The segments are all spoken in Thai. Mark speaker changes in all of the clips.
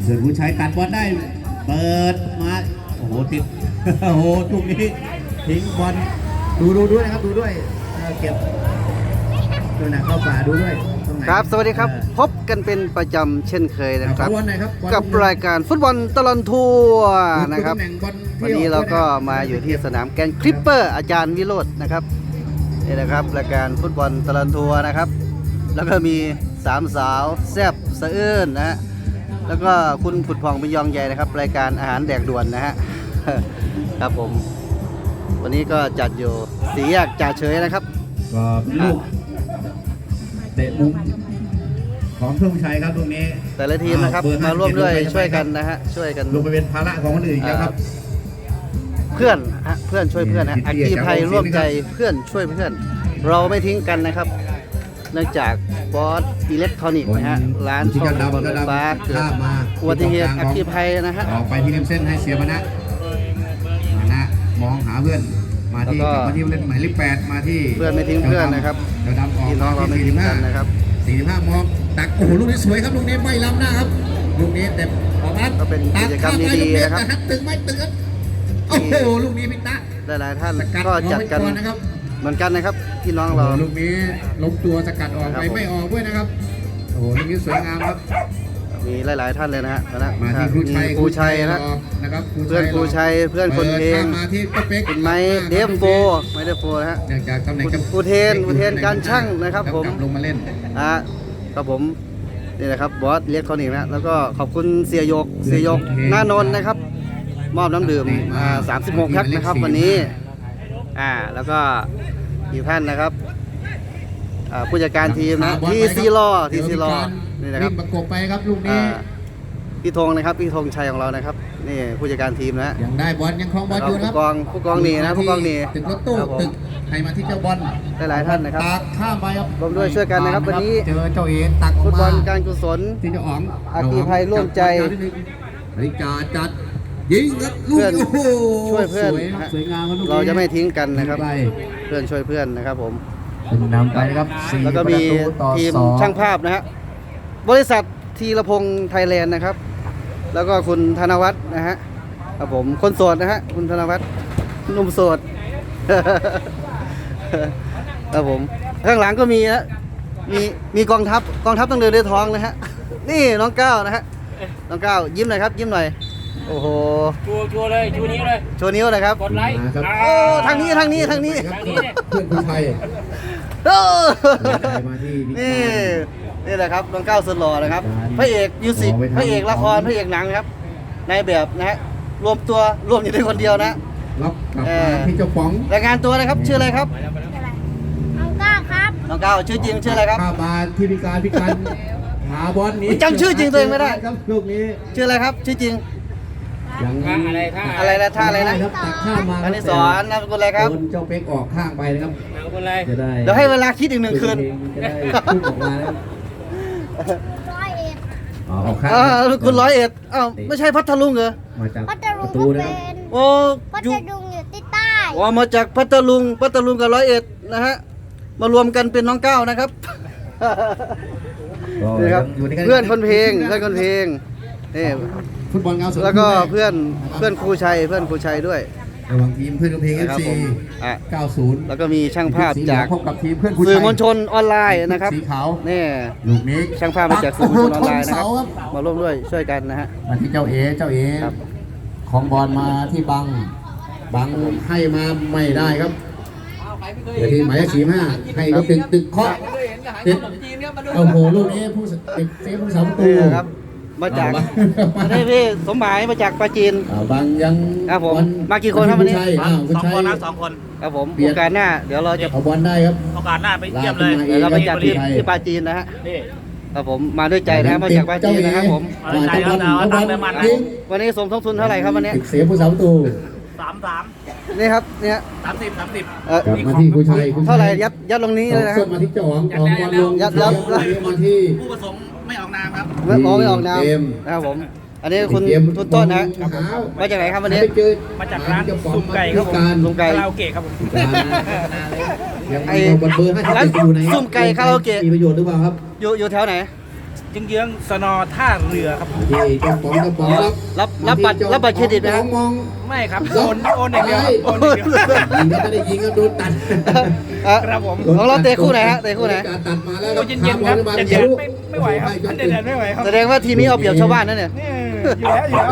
Speaker 1: ส่วนผู้ชายตัดบอลได้เปิดมาโอ้โหติดโอ้โหลูกนี้ทิ้งบอลดูด้วยนะครับดูด้วยเก็บตัวหนักเข้าป่าดูด้วย
Speaker 2: ครับสวัสดีครับพบกันเป็นประจำเช่นเคยนะครับกับรายการฟุตบอลตลอดทัวร์นะครับวันนี้เราก็มาอยู่ที่สนามแกนคลิปเปอร์อาจารย์วิโรจน์นะครับนี่นะครับรายการฟุตบอลตลอดทัวร์นะครับแล้วก็มีสามสาวแซ่บสะอื้นนะฮะแล้วก็คุณผุดผ่องเป็นยองใหญ่นะครับรายการอาหารแดกด่วนนะฮะครับผมวันนี้ก็จัดอยู่สี่แยกจ่าเฉยนะครับ
Speaker 1: ก็ลูกเตะมุมของเพื่อนผู้ชายครับตรงนี้
Speaker 2: แต่ละทีมนะครับมาร่วมด้วยช่วยกันนะฮะช่วยกัน
Speaker 1: ลงไปเป็นภาระของคนอื่นแล้วครับ
Speaker 2: เพื่อนช่วยเพื่อนนะอาคีภัยร่วมใจเพื่อนช่วยเพื่อนเราไม่ทิ้งกันนะครับเนื่องจากบอสอิเล็กทรอนิกส์นะฮะร้านซ่อมรถไฟฟ้าเกิดอุบัติเหตุอาคีภัยนะฮะ
Speaker 1: ออกไปที่ริมเส้นให้เสียมานะมองหาเพื่อนมาที่เล่นหมายเลข8มาที่
Speaker 2: เพื่อนไม่ทิ้งเพื่อนนะครับพี่น้องเราไม่ทิ้งกันนะครับ
Speaker 1: 45มองตักโอ้โหลูกนี้สวยครับลูกนี้ไม่ล้ำหน้าครับลูกนี้แต่ออกมา
Speaker 2: ก็เป็นกิจกรรมดีๆนะครับ
Speaker 1: ตึงไม่ตึงโอ้โหลูกนี้พิตะ
Speaker 2: หลายๆท่านก็จัดกันเหมือนกันนะครับพี่น้องเรา
Speaker 1: ลูกนี้ล้มตัวสกัดออกไปไม่ออกด้วยนะครับโอ้โหลูกนี้สวยงามครับ
Speaker 2: มีหลายๆท่านเลยนะฮะ
Speaker 1: มาที่
Speaker 2: ครูชัยนะครับเพื่อนครูชัยเพื่อนคนเพลงคุณไม้เดฟโฟนะฮะอุเทนการช่างนะครับผม
Speaker 1: ลงมาเล่น
Speaker 2: ครับผมนี่นะครับบอสเรียกเขาหนินะแล้วก็ขอบคุณเสียยกหน้านนท์นะครับมอบน้ำดื่ม36 แพ็คนะครับวันนี้แล้วก็อีกท่านนะครับผู้จัดการทีมนะทีซีรอนี่นะครับ
Speaker 1: ประกบไปครับลูกนี้
Speaker 2: พี่ธงนะครับพี่ธงชัยของเรานะครับนี่ผู้จัดการทีมนะ
Speaker 1: ยังได้บอลยังคล้องบอลอยู่ครับ
Speaker 2: ผู้กองนี่นะผู้กองนี่
Speaker 1: ตึกรถตู้ตึกให้มาที่เจ้าบอล
Speaker 2: หลายท่านนะครับ
Speaker 1: ตักข้ามไปครับ
Speaker 2: ร่วมด้วยช่วยกันนะครับวันนี้
Speaker 1: เจอเจ้าเอ๋ตัก
Speaker 2: ฟุตบอลการกุศล
Speaker 1: ที่จะอ๋อง
Speaker 2: อาคีภัยร่วมใจ
Speaker 1: ริกาจัดยิงครับลูก
Speaker 2: ช่วยเพื่อน
Speaker 1: สวยงามครับ
Speaker 2: เราจะไม่ทิ้งกันนะครับเพื่อนช่วยเพื่อนนะครับผม
Speaker 1: นำไปครับ
Speaker 2: แล้วก็มีทีมช่างภาพนะฮะบริษัทธีรพงษ์ไทยแลนด์นะครับแล้วก็คุณธนวัฒน์นะฮะครับผมคนโสดนะฮะคุณธนวัฒน์หนุ่มโสดครับผมข้างหลังก็มีนะมีกองทัพต้องเดินด้วยท้องนะฮะนี่น้องก้าวนะฮะน้องก้าวยิ้มหน่อยครับยิ้มหน่อยโอ้โห
Speaker 3: ชัวเลยชูนิ้วเลย
Speaker 2: โชว์นิ้วนะครับ
Speaker 3: กดไลค์
Speaker 2: โอ้ทางนี้
Speaker 1: เพื่อนผู้ชาย
Speaker 2: นี่แหละครับน้องก้าวสุดหล่อนะครับพระเอกมิวสิกพระเอกละครพระเอกหนังครับในแบบนะฮะรวมอยู่ในคนเดียวนะ
Speaker 1: รับกลับมาที่เจ้าป๋อง
Speaker 2: รายงานตัวเลยครับชื่ออะไรครับ
Speaker 4: น้องก้าวครับ
Speaker 2: น้องก้าวชื่อจริงชื่ออะไรครับ
Speaker 1: ข้ามาที่พิการหาบอลนี้
Speaker 2: จำชื่อจริงตัวเองไม่ได้
Speaker 1: ครับลูกนี้
Speaker 2: ชื่ออะไรครับชื่อจริงอะไรนะท่าอะไรนะ
Speaker 1: ตักข้ามมา
Speaker 2: อันนี้สอนนามสกุลอะไรครับ
Speaker 1: เจ้าเป๊กออกข้างไปนะครับ
Speaker 3: นามสกุลอะไร
Speaker 1: จะได้
Speaker 2: เดี๋ยวให้เวลาคิดอีก1 คืน
Speaker 1: จะได้พูดออกมาแล้ว
Speaker 2: คุณ101ไม่ใช่พัทลุงเหรอ
Speaker 1: มาจาก
Speaker 4: พัทลุงก็เป็น
Speaker 2: โอ้
Speaker 4: พัทลุงอยู่ที่ใต้
Speaker 2: มาจากพัทลุงกับ101นะฮะมารวมกันเป็นน้องก้าวนะครับนี่ครับเพื่อนคนเพลงนี่
Speaker 1: ฟุตบอลเงาสุด
Speaker 2: แล้วก็เพื่อนครูชัยด้วย
Speaker 1: ระหว่างทีมเพื่อนเพลง FC 90
Speaker 2: แล้วก็มีช่างภาพจาก
Speaker 1: สื่
Speaker 2: อมวลชนออนไลน์นะครับ
Speaker 1: สีขาว
Speaker 2: นี่
Speaker 1: ลูกนี้
Speaker 2: ช่างภาพมาจากสื่อมวลชนออนไลน์นะครับมาร่วมด้วยช่วยกันนะฮะ
Speaker 1: มาที่เจ้าเอ๋ของบอลมาที่บังให้มาไม่ได้ครับเดี๋ยวทีหมายเลข45ให้ก็เป็นตึกเคาะติดโอ้โหลูกนี้ผู้สาวประตู
Speaker 2: ครับมาจากพี่สมหมายมาจากปราจีน
Speaker 1: บางยัง
Speaker 2: ครับผมมากี่คนครับวันนี้
Speaker 3: 2 คนนะ2 คน
Speaker 2: ครับผมโอกาสหน้าเดี๋ยวเราจะ
Speaker 1: เอาบอลได้ครับ
Speaker 3: โอกาสหน้าไปเยี่ยมเลย
Speaker 2: เราไปจัดที่ปราจีนนะฮะครับผมมาด้วยใจนะมาจากปราจีนนะครับผมวันนี้สมทบทุนเท่าไหร่ครับวันนี้
Speaker 1: เสียผู้สาวประตู
Speaker 3: 33
Speaker 2: นี่ครับเนี่ย
Speaker 3: 30
Speaker 1: มาที่ผู้ชาย
Speaker 2: เท่าไหร่ยัดลงนี้เลยนะ
Speaker 1: มาที่เจ้าของบอลลง
Speaker 2: ยัด
Speaker 1: มาที่
Speaker 3: ผู้ผสมไม่ออกนามครับ
Speaker 2: ไม่ออกนามนะครับผมอันนี้คุณต้นนะมาจากไหนครับวันนี้
Speaker 3: มาจากร้านสุ่มไก่ครับผม
Speaker 2: สุ่มไก่
Speaker 3: คาราโอเกะครับผม
Speaker 2: ไอ้ร้านสุ่มไก่คาราโอเกะ
Speaker 1: มีประโยชน์หรือเปล่าครับ
Speaker 2: อยู่แถวไหน
Speaker 3: เยื้องๆสนอท่าเรือครับ
Speaker 1: ที่เจ้าป๋องกระป๋องครับ
Speaker 2: รับบัตรเครดิตไหมครับ
Speaker 1: มอง
Speaker 3: ไม่ครับโอนอย่างเดียวครับโอนอย่างเดียว
Speaker 1: ยิงก็ไม่ได้ยิงก็โดนตัด
Speaker 3: ครับผม
Speaker 2: ของเราเตะคู่ไหนฮะเตะคู่ไหน
Speaker 1: ตัดมาแล้ว
Speaker 3: โอ้เย็นๆครับเย็นๆไม่ไหวครับเย็นๆไม่ไหวครับ
Speaker 2: แสดงว่าทีมนี้เอาเปรียบชาวบ้านนั่นเนี่ย
Speaker 3: นี่อยู่แล้ว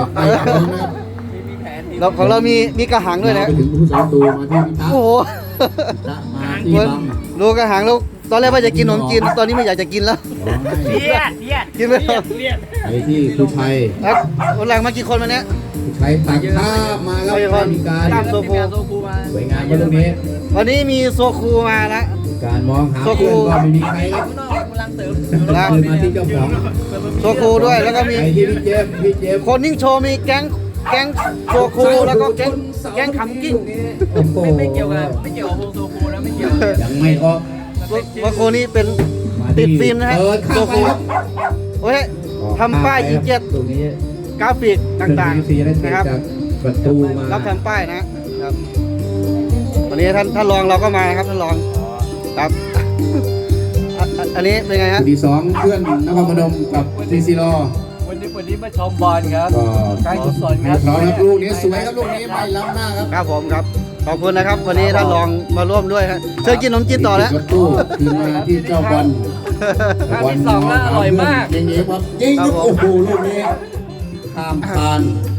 Speaker 2: เราของเรามีกระหังด้วยนะ
Speaker 1: ไปถึงผู้สอนตูมาที่พิทักษ์
Speaker 2: โอ้โห
Speaker 1: มาที่บัง
Speaker 2: ดูกระหังแล้วตอนแรกว่าจะกินขนมจีนตอนนี้ไม่อยากจะกินแล้ว
Speaker 3: เลียด
Speaker 2: กินไม่ได้
Speaker 3: เลียด
Speaker 1: ไปที่คุณชัย
Speaker 2: ครับวันหลังมากี่คนวันนี้
Speaker 1: คุณชัยตักข้ามมาครับมีการ
Speaker 2: ตามโซคู
Speaker 1: สวยงามมาตรงนี้
Speaker 2: วันนี้มีโซคูมาแล้ว
Speaker 1: การมองหาเพื่อนก็ไม่มีใครครับ
Speaker 2: นะ
Speaker 1: คืนมาที่เจ้าของ
Speaker 2: โซคูด้วยแล้วก็มี
Speaker 1: ไปที่พี่เจมส์
Speaker 2: คนนิ่งโชว์มีแก๊งโซคูแล้วก็แก๊งขำกิ้ง
Speaker 1: โอ้โห
Speaker 3: ไม่เกี่ยวกับวงโซคูแล้วไม่เกี่ยว
Speaker 1: ยังไม่ออก
Speaker 2: โซคูนี่เป็นติดฟิล์มนะฮะ
Speaker 1: เปิด
Speaker 2: โซ
Speaker 1: ข้ามไป
Speaker 2: คู
Speaker 1: ครับ
Speaker 2: โอ้ยทำป้ายยีเจ็ด
Speaker 1: ตรงนี้
Speaker 2: กราฟิกต่างๆ
Speaker 1: นะ
Speaker 2: นะ
Speaker 1: ค
Speaker 2: ค
Speaker 1: รั
Speaker 2: รั
Speaker 1: บบ ประตูมา
Speaker 2: รับทำป้ายนะครับวันนี้ท่านรองเราก็มานะครับท่านรองครับอันนี้เป็นไงฮะ
Speaker 1: ที่สองเพื่อนนครพนมกับซีซีรอ
Speaker 3: วันนี้มาชมบอลครับ
Speaker 1: ก็
Speaker 3: การกุศลครับ
Speaker 1: พร้อมครับลูกนี้สวยครับลูกนี้ไม่ล้ำหน้าครับ
Speaker 2: ครับผมครับขอบคุณนะครับ วันนี้ท่านรองมาร่วมด้วยครับเชิญกินขนมจีนต่อแล้ว
Speaker 1: รถตู้คืนมาที่เจ้าบอล
Speaker 3: ครั้งที่สองแล้วอร่อยมาก
Speaker 1: ยิงๆครับยิง
Speaker 2: ครับผม
Speaker 1: โอ้โหลูกนี้ข้ามคาน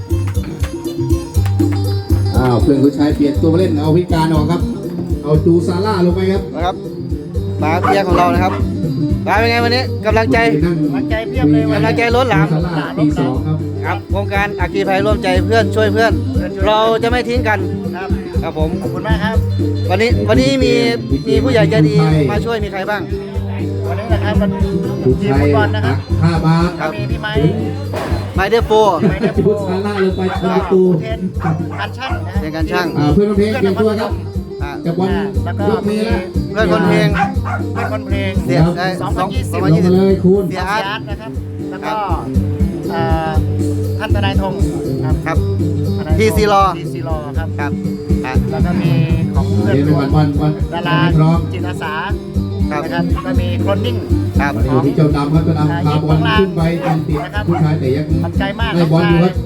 Speaker 1: เพื่อนคุณชายเปลี่ยนตัวมาเล่นเอาพิการออกครับ เอาจูซาร่าลงไปครับ
Speaker 2: นะครับมาเพียงของเรานะครับมาเป็นไงวันนี้กำลังใจ
Speaker 1: นั่ง
Speaker 3: กำลังใจเพียบเลย
Speaker 2: กำลังใจล้นหลาม
Speaker 1: จูซร่ปีสองครับ
Speaker 2: ครับโครงการอัคคีภัยร่วมใจเพื่อนช่วยเพื่อน เราจะไม่ทิ้งกัน
Speaker 3: ครับ
Speaker 2: ครับผม
Speaker 3: ขอบคุณมากครับ
Speaker 2: วันนี้มีผู้ใหญ่ใจดีมาช่วยมีใครบ้าง
Speaker 3: วันนี้นะครับมัน
Speaker 1: คุณ
Speaker 3: ทีม
Speaker 1: ชัย
Speaker 3: ฟุตบอลนะครับ
Speaker 1: ข้าบา
Speaker 3: ก็มีพี่ไม้
Speaker 2: ไมเดโฟ
Speaker 1: จูซาร่าลงไปทำประตู
Speaker 3: เทนการช่างนะ
Speaker 2: เป็นการช่าง
Speaker 1: เพื่อนเพลงเปลี่ยนตัวครับ
Speaker 2: อ่า
Speaker 1: จากบอล
Speaker 3: แล้วก็
Speaker 1: ยกมือแล้ว
Speaker 2: เพื่อนคนเพลง
Speaker 3: เพื่อนคนเพลง
Speaker 2: เสียได้
Speaker 1: ลง
Speaker 3: 2020
Speaker 1: มาเลยคุณ
Speaker 2: เสีย
Speaker 3: อา
Speaker 2: อา
Speaker 3: ร์
Speaker 2: ร์
Speaker 3: ต
Speaker 2: ต
Speaker 3: นะครับ แล้วก็ท่านทนายธงครับ
Speaker 2: ครับ
Speaker 3: ทนายธง
Speaker 2: TC Law
Speaker 3: TC Law ครับ
Speaker 2: ครับอ่ะ
Speaker 3: แล้วก็มีของเพื่อน
Speaker 1: เดี๋ยวบอล
Speaker 3: ดารา
Speaker 1: พร้อม
Speaker 3: จิตอาสา
Speaker 2: ครับ
Speaker 3: นะครับก็มีโคลนนิ่ง
Speaker 2: ครับ
Speaker 1: วันนี้อยู่ที่เจ้าดำครับเจ้าดำพาบอลขึ้นไปตามติดผู้ชายแต่ยัง
Speaker 3: ขอบใจมาก
Speaker 1: ได้บอลอยู่ครับ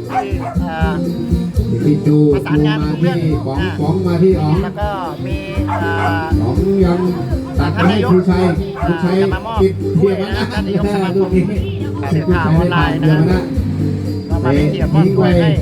Speaker 3: ที่
Speaker 1: ที่จู
Speaker 3: ประสานงาน
Speaker 1: มา
Speaker 3: กับเพื่
Speaker 1: ที่
Speaker 3: อน
Speaker 1: ป๋องมาที่อ๋อง
Speaker 3: แล้วก็มี
Speaker 1: ป๋องยังตัดมาให้ผู้ชาย
Speaker 3: จะมามอบ
Speaker 1: ติดเทียบ
Speaker 3: ด้วย
Speaker 1: นะ
Speaker 3: ท่านนายกสมาค
Speaker 1: ลู
Speaker 3: ม
Speaker 1: กนี้
Speaker 3: สื่อข่าวออนไลน์นะครับ เรามาเป็นเกียรติมอบถ้วยให้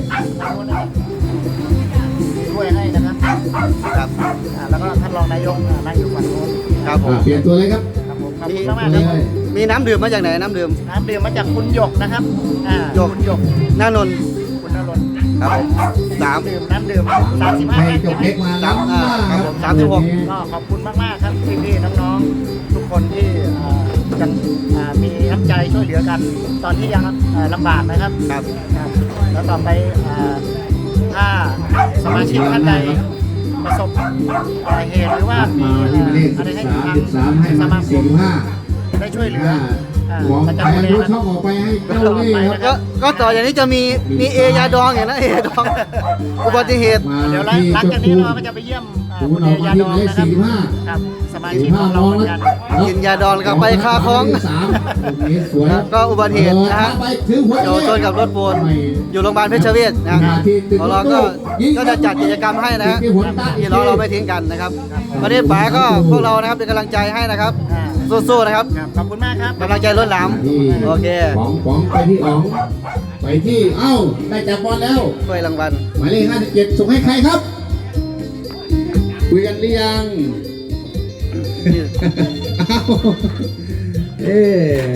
Speaker 3: ถ้วยให้นะครับ
Speaker 2: ครับ
Speaker 3: แล้วก็ท่านรองนายกนั่งอยู่ฝั่งโน้น
Speaker 2: ครับผม
Speaker 1: เปลี่ยนตัวเลยครับ
Speaker 3: ครับผมขอบคุณมาก
Speaker 1: เล
Speaker 3: ๆครับ
Speaker 1: ย
Speaker 2: มีน้ำดื่มมาจากไหนน้ำดื่ม
Speaker 3: น้ำดื่มมาจากคุณหยกนะครับหยกคุณหยก
Speaker 2: หน้านนท์
Speaker 3: คุณนรนท์
Speaker 2: ครับผมสาม
Speaker 3: น้ำดื่ม35
Speaker 1: ให้
Speaker 3: แพ็ค
Speaker 1: เจ้าเพ็กมาล้ำหน้าครับ
Speaker 2: 36
Speaker 3: ก็ขอบคุณมากๆครับพี่ๆน้องๆทุกคนที่ยังมีน้ำใจช่วยเหลือกัน ตอนที่ยังลำบากนะครับ
Speaker 2: ครับ
Speaker 3: ครับแล้วต่อไปถ้าสมาชิกท่านใดประสบเหตุหรือว่ามี
Speaker 1: มาที่หมายเลข
Speaker 3: อะไรให้
Speaker 1: 13ให้
Speaker 3: ส
Speaker 1: มา
Speaker 3: มาค
Speaker 1: ที่
Speaker 3: ม
Speaker 1: 45
Speaker 3: ได้ช่วยเหลือ
Speaker 1: มอง
Speaker 3: ประ
Speaker 1: ไป
Speaker 3: จำเลย
Speaker 1: รู้
Speaker 3: นะ
Speaker 1: ช่องออกไปให้เจ้าเล่ห์ครับ
Speaker 2: ก็ต่ออย่างนี้จะมีเอยาดองอย่างนั้นเอยาดองอุบัติเหตุ
Speaker 1: มา
Speaker 3: เดี๋ยวหลั
Speaker 1: ที่
Speaker 3: ง
Speaker 1: เจ้า
Speaker 3: จากนี้
Speaker 1: คุณ
Speaker 3: เราก็จะไปเยี่ยม
Speaker 1: คุณ
Speaker 3: คุณ
Speaker 1: อ
Speaker 3: เอ
Speaker 1: อกมาย
Speaker 3: า
Speaker 1: ที่
Speaker 3: ด
Speaker 1: ห
Speaker 3: อ
Speaker 1: มาง ยเลข
Speaker 3: นะครับ
Speaker 1: 45
Speaker 3: ครับสมาชิกของเราเหมือนกัน
Speaker 2: กินยาดองแล้วก็ไปคาคล้อง
Speaker 1: สวย
Speaker 2: ก็อุบัติเหตุนะฮะ
Speaker 1: ไปถือหัว
Speaker 2: เดี๋ยวชนกับรถปูนอยู่โรงพยาบาลเพชรเวชนะของเราก็จะจัดกิจกรรมให้นะฮะพี่น้องเราไม่ทิ้งกันนะครับวันนี้ป๋าก็พวกเรานะครับเป็นกำลังใจให้นะครับสู้ๆนะครับ
Speaker 3: ครับขอบคุณมากครับ
Speaker 2: กำลังใจล้นหลาม โอเค
Speaker 1: ป๋องไปที่อ๋องไปที่เอ้าได้จับบอลแล้ว
Speaker 2: ถ้วยรางวัล
Speaker 1: หมายเลข57ส่งให้ใครครับคุยกันหรือยังอ้าวเอ๊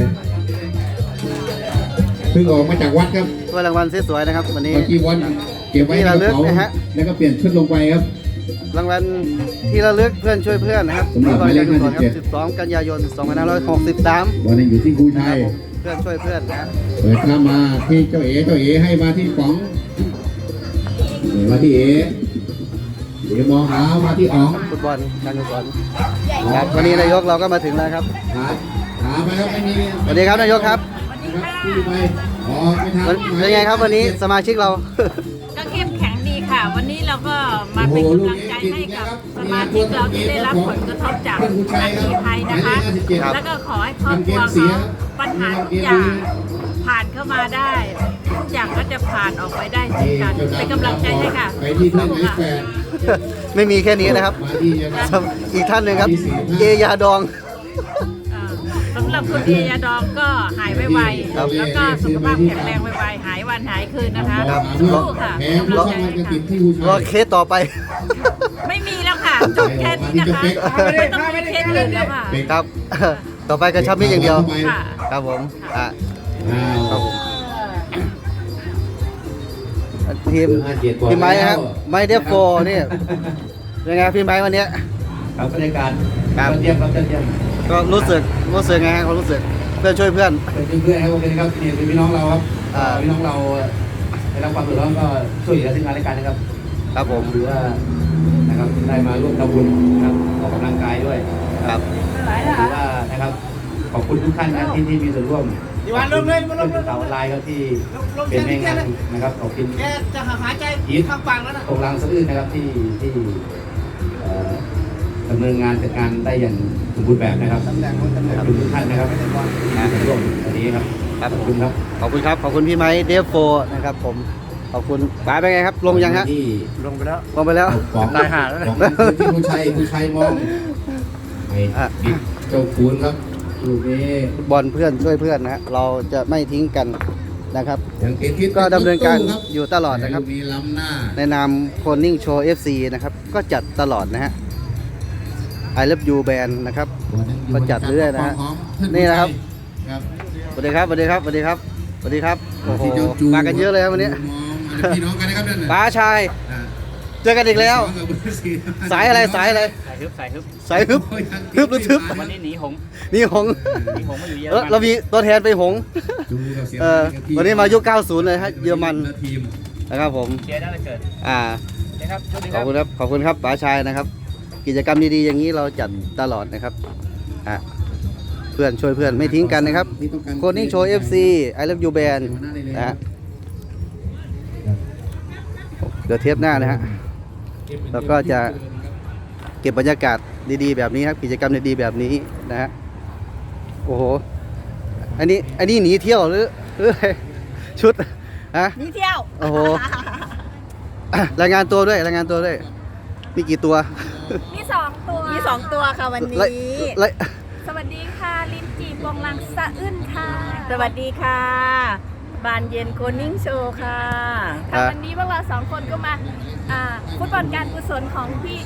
Speaker 1: เพิ่งออกมาจากวัดครับ
Speaker 2: ถ้วยรางวัลสวยๆนะครับวันนี้
Speaker 1: เมื่อกี้วันเก็บไว้ในกระเป๋า
Speaker 2: ที่ระลึกนะฮะ
Speaker 1: แล้วก็เปลี่ยนชุดลงไปครับ
Speaker 2: รางวัลที่ระลึกเพื่อนช่วยเพื่อนนะครับ
Speaker 1: สำหรับหมายเลข
Speaker 2: ที่บริจาคกุศลค
Speaker 1: 57
Speaker 2: รับ12 กันยายน 2563
Speaker 1: วันนี้อยู่ที่ครูชัย
Speaker 2: เพื่อนช่วยเพื่อนนะ
Speaker 1: เปิดเข้ามาที่เจ้าเอ๋ให้มาที่ป๋องมาที่เอ๋มองหามาที่อ๋อง
Speaker 2: ฟุตบอลการกุศลครับวันนี้นายกเราก็มาถึงแล้วครับ
Speaker 1: หาไปครับไม่มี
Speaker 2: สวัสดีครับนายกครับ
Speaker 1: ที่ไปอ๋อไม่ทัน
Speaker 2: เป็นไงครับวันนี้สมาชิกเรา
Speaker 5: ก็เข้มแข็งดีค่ะ วันนี้เราก็มาเป็นกำลังใจให้กับสมาชิกเราที่ได้รับผลกระทบจากอัคคีภัยนะคะ แล้วก็ขอให้ครอบครัวเขาปัญหาทุกอย่างผ่านเข้ามาได้ทุกอย่างก็จะผ่านออกไปได้เช่นกันเป็นกำลังใจให้ค่ะ
Speaker 1: ไปที่ท่านไหนแฟน
Speaker 2: ไม่มีแค่นี้นะครับ
Speaker 1: มาที่นะครับ
Speaker 2: อีกท่านหนึ่งครับ เอยาดอง
Speaker 5: สำหรับคุณเอยาดองก็หายไว
Speaker 2: ครับ
Speaker 5: ๆแล้วก็สุขภาพแข็งแรงไวๆหายวันหายคืนนะคะ
Speaker 2: ครับ
Speaker 5: สู้ค่ะ
Speaker 1: แพ้
Speaker 5: เป็น
Speaker 1: ผู้
Speaker 5: กำลัง
Speaker 1: สร้าง
Speaker 5: ใจ
Speaker 1: มัน
Speaker 5: ให้
Speaker 1: จะติด
Speaker 5: ค่ะ
Speaker 1: ที่ผู้ชาย
Speaker 2: รอเคสต่อไป
Speaker 5: ไม่มีแล้วค่ะจบแค่นี้นะคะไม่ต้องมีเคสอื่นแล้วค่ะ
Speaker 2: ครับ ต่อไปกระชับมิตรอย่างเดียว
Speaker 5: ค่ะ
Speaker 2: ครับผมอ่ะ
Speaker 1: อ้าว
Speaker 2: ครับผมทีมพี่ไม้ครับไม้เดฟโฟนี่ยังไงพี่ไม้วันเนี้ย
Speaker 1: ครับบรรยากาศ
Speaker 2: ครับ
Speaker 1: เยี่ยมครับเยี่ยม
Speaker 2: ก็รู้สึกไงครับความรู้สึกเพื่อนช่วยเพื่อน
Speaker 1: เป็นเพื่อนครับโอเคครับนี่เป็นพี่น้องเราครับ
Speaker 2: อ่า
Speaker 1: พี่น้องเราได้รับความเดือดร้อนก็ช่วยเหลือซึ่งกันและกันนะครับ
Speaker 2: ครับผม
Speaker 1: หรือว่านะครับได้มาร่วมทำบุญนะครับออกกำลังกายด้วย
Speaker 2: ครับ
Speaker 1: ถือว่านะครับขอบคุณทุกท่านนะที่มีส่วนร่วมที่วันลงเลยลงข่าวออนไลน์ครับที่เป็นแม่งานนะครับขอบคุณ
Speaker 3: แกจะหายใจ
Speaker 1: อีท
Speaker 3: ข้างฟังแล้วนะ
Speaker 1: ตรงรางสะอื้นนะครับที่ดำเนินงานจัดการได้อย่างสมบูรณ์แบบนะครับขอบคุณทุกท่านนะครับงานร่วมวันนี้ครับ
Speaker 2: ครับ
Speaker 1: ขอบคุณครับ
Speaker 2: ขอบคุณครับขอบคุณพี่ไม้เดฟโฟนะครับผมขอบคุณป๋าเป็นไงครับลงยังฮะ
Speaker 1: ที่
Speaker 3: ลงไปแล้ว
Speaker 2: ลงไปแล้ว
Speaker 1: ของ
Speaker 3: ตายห่าแล้วนะ
Speaker 1: ของที่ผู้ชัยมองไอ้บิ๊กเจ้าคูณครับลูกนี้
Speaker 2: ฟุตบอลเพื่อนช่วยเพื่อนนะฮะเราจะไม่ทิ้งกันนะครับ
Speaker 1: ยังติดทิศ
Speaker 2: ก็ดำเนินการ
Speaker 1: คบ
Speaker 2: อยู่ตลอดนะครับ
Speaker 1: มีล้ำหน้า
Speaker 2: ในนามโคนิ่งโชว์ FC นะครับก็จัดตลอดนะฮะ I Love You Band นะครับ ก็จัดเรื่อยนะฮะนี่นะครับ
Speaker 1: ครับ
Speaker 2: สวัสดีครับสวัสดีครับสวัสดีครับสวัสดีครับโอ้โห
Speaker 1: ที่เจ้จู
Speaker 2: มากันเยอะเลยครับวันนี้
Speaker 1: มองพี่น้องกันนะครับนั่นน่ะ
Speaker 2: ป๋าชาย
Speaker 1: อ่า
Speaker 2: เจอกันอีกแล้ว สายอะไรสายอะไร
Speaker 6: สายฮึบสายฮึบ
Speaker 2: สายฮึบฮึบหรือทึบ
Speaker 6: วันนี้หนีหงส์
Speaker 2: นี่หงส์
Speaker 6: หนีหงส์มาอยู่เยอร
Speaker 2: เรา
Speaker 6: มัน
Speaker 2: มีตัวแทนไปหงส์
Speaker 1: จูกับเสีย
Speaker 2: วันนี้มายุค 90 เลยฮะเยอรมัน
Speaker 1: และทีม
Speaker 2: นะครับผม
Speaker 6: เชียร์ได้เลยเกิด
Speaker 2: อ่า
Speaker 6: นะครับสวัสดี
Speaker 2: ข
Speaker 6: ค
Speaker 2: อ
Speaker 6: รั
Speaker 2: บบ คุณครับขอบคุณครับป๋าชายนะครับ กิจกรรมดีๆอย่างนี้เราจัดตลอดนะครับอ่ะเพื่อนช่วยเพื่อนไม่ทิ้งกันนะครับโคนิ่งโชว์ FC I Love You Band นะฮะเดี๋ยวเทปหน้านะฮะเราก็จะเก็บบรรยากาศดีๆแบบนี้ครับกิจกรรมดีๆแบบนี้นะฮะโอ้โหอันนี้หนีเที่ยวหรืออะไรชุดฮะ
Speaker 5: นี่เที่ยว
Speaker 2: โอ้โหอ่ะรายงานตัวด้วยรายงานตัวด้วยมีกี่ตัว
Speaker 5: มี2 ตัวมี2 ตัวค่ะวันนี้
Speaker 2: ไล่
Speaker 5: สวัสดีค่ะลินจีบวงลังสะอื้นค่ะ สวัสดีค่ะบานเย็นโคนิ่งโชว์ค่ะค่ะวันนี้พวกเรา2 คนก็มาฟุตบอลการกุศลของพี่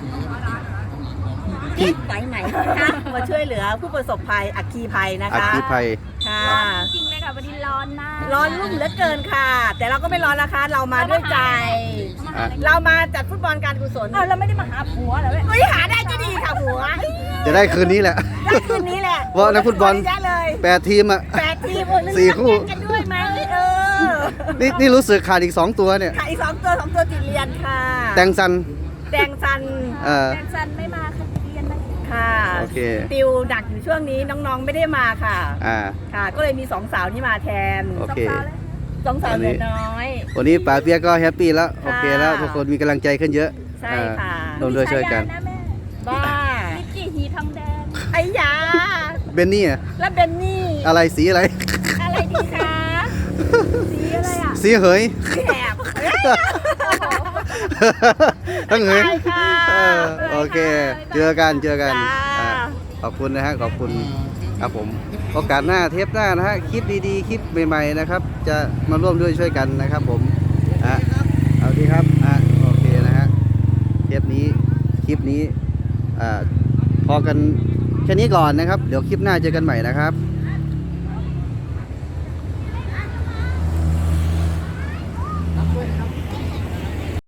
Speaker 5: ไหนไหนคะมาช่วยเหลือผู้ประสบภัยอัคคีภัยนะ
Speaker 2: อัค
Speaker 5: คะ
Speaker 2: คีภัย
Speaker 5: ค่ะ
Speaker 4: จริงเลยค่ะวันนี้ร้อนมาก
Speaker 5: ร้อนรุ่มเหลือเกินค่ะ แต่เราก็ไม่ร้อนนะคะ เรามาด้วยใจ
Speaker 2: อ่ะ
Speaker 5: เรามาจัดฟุตบอลการกุศล
Speaker 4: เราไม่ได้มาหาผัวเหรอเว้ย
Speaker 5: เฮ้ยหาได้ก็ดีค่ะหัว
Speaker 2: จะได้คืนนี้แหละ
Speaker 5: ได้คืนนี้แหละ
Speaker 2: ว่านักฟุตบอล
Speaker 5: ได้เลย
Speaker 2: 8 ทีมอ่ะ
Speaker 5: 8 ทีมโอ้ย
Speaker 2: 4 คู่
Speaker 5: เล่นกันด้วยไหม
Speaker 2: นี่รู้สึกขาดอีก 2 ตัวเนี่ย
Speaker 5: ค่ะอีก2 ตัวติดเรียนค่ะ
Speaker 2: แตงซัน
Speaker 5: แดงซัน
Speaker 4: แฟนซันไม่มาค่ะเรียนไหม
Speaker 5: ค่ะ
Speaker 2: โอเค
Speaker 5: ติวดักอยู่ช่วงนี้น้องๆไม่ได้มาค่ะ
Speaker 2: อ่า
Speaker 5: ค่ะ ก็เลยมี2 สาวที่มาแทน
Speaker 2: โอเค
Speaker 5: 2 สาวเหลือน้อย
Speaker 2: วันนี้ป๋าเปียกก็แฮปปี้แล้ว โอเคแล้ว
Speaker 5: ค่ะ
Speaker 2: ทุกคนมีกำลังใจขึ้นเยอะ
Speaker 5: ใช่ค่ะ
Speaker 2: ร่วมด้วยช่วยกัน
Speaker 4: มีฉาาะแม่
Speaker 5: บ้า
Speaker 4: นิกกี้หีทองแดง
Speaker 5: ไอ้ยา
Speaker 2: เบนนี่อะ
Speaker 5: และเบนนี่
Speaker 2: อะไรสีอะไร
Speaker 4: อะไรดีคะสีอะไรอ่ะ
Speaker 2: สีเหย
Speaker 5: แหบ
Speaker 2: ทั้งเหย
Speaker 5: ไปค่ะ
Speaker 2: โอเค เจอกัน
Speaker 5: จ้า
Speaker 2: อ่าขอบคุณนะฮะขอบคุณครับผมโอกาสหน้าเทปหน้านะฮะคลิปดีๆคลิปใหม่ๆนะครับ จะมาร่วมด้วยช่วยกันนะครับผมเอาดีครับโอเคนะฮะเทปนี้คลิปนี้พอกันแค่นี้ก่อนนะครับ เดี๋ยวคลิปหน้าเจอกันใหม่นะครับ